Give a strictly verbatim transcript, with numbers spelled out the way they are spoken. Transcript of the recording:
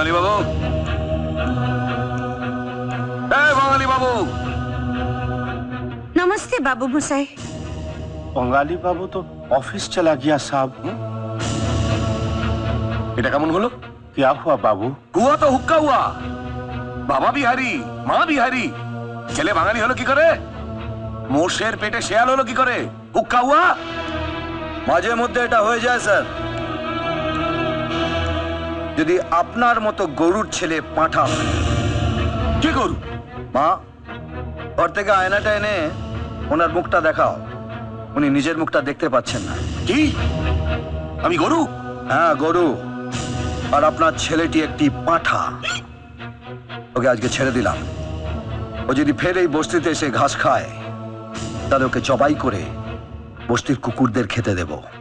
বাঙালি বাবু, এই বাঙালি বাবু। नमस्ते बाबू मसाई। बंगाली बाबू तो ऑफिस चला गया साहब। এটা কেমন হলো? क्या हुआ बाबू? हुआ तो हुक्का हुआ। বাবা বিহারি, মা বিহারি, ছেলে বাঙালি হলো কি করে? মোষের পেটে শেয়াল হলো কি করে? হুক্কা হুয়া। মাঝে মধ্যে এটা হয়ে যায় স্যার। যদি আপনার মতো গরুর ছেলে পাঁঠা। কি গরু? মা, ঘর থেকে আয়নাটা এনে ওনার মুখটা দেখাও। উনি নিজের মুখটা দেখতে পাচ্ছেন না। কি? আমি গরু? হ্যাঁ গরু, আর আপনার ছেলেটি একটি পাঁঠা। ওকে আজকে ছেড়ে দিলাম। ও যদি ফের এই বস্তিতে এসে ঘাস খায়, তাহলে ওকে জবাই করে বস্তির কুকুরদের খেতে দেব।